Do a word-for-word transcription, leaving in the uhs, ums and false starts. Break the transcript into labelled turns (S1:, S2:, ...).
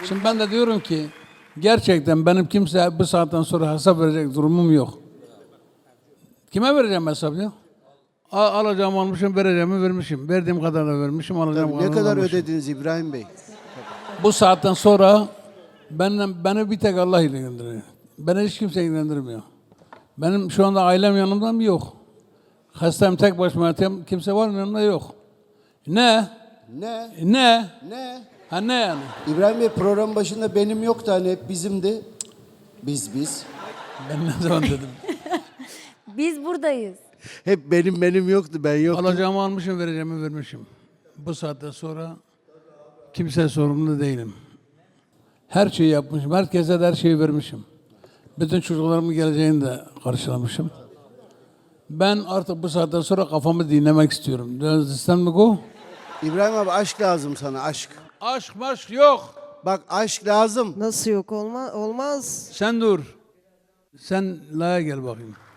S1: Şimdi ben de diyorum ki gerçekten benim kimse bu saatten sonra hesap verecek durumum yok. Kime vereceğim hesap ya? A- alacağımı almışım, vereceğimi vermişim. Verdiğim kadarını vermişim, alacağım
S2: Tabii, ne
S1: kadarını
S2: kadar
S1: almışım.
S2: ödediniz İbrahim Bey?
S1: Bu saatten sonra benden, beni bir tek Allah ilgilendiriyor. Beni hiç kimse ilgilendirmiyor. Benim şu anda ailem yanımda mı? Yok. Hastayım, tek başıma yatayım, kimse var mı yanımda? Yok. Ne?
S2: Ne?
S1: Ne?
S2: Ne?
S1: Ha ne yani?
S2: İbrahim Bey program başında benim yoktu hani hep bizimdi. Biz biz.
S1: Ben ne zaman dedim?
S3: Biz buradayız.
S2: Hep benim benim yoktu ben yoktum.
S1: Alacağımı almışım, vereceğimi vermişim. Bu saatten sonra kimseye sorumlu değilim. Her şeyi yapmışım, herkese de her şeyi vermişim. Bütün çocuklarımın geleceğini de karşılamışım. Ben artık bu saatten sonra kafamı dinlemek istiyorum. Do you understand me go?
S2: İbrahim abi aşk lazım sana aşk.
S1: Aşk maşk yok.
S2: Bak aşk lazım.
S4: Nasıl yok olma, olmaz.
S1: Sen dur. Sen laya gel bakayım.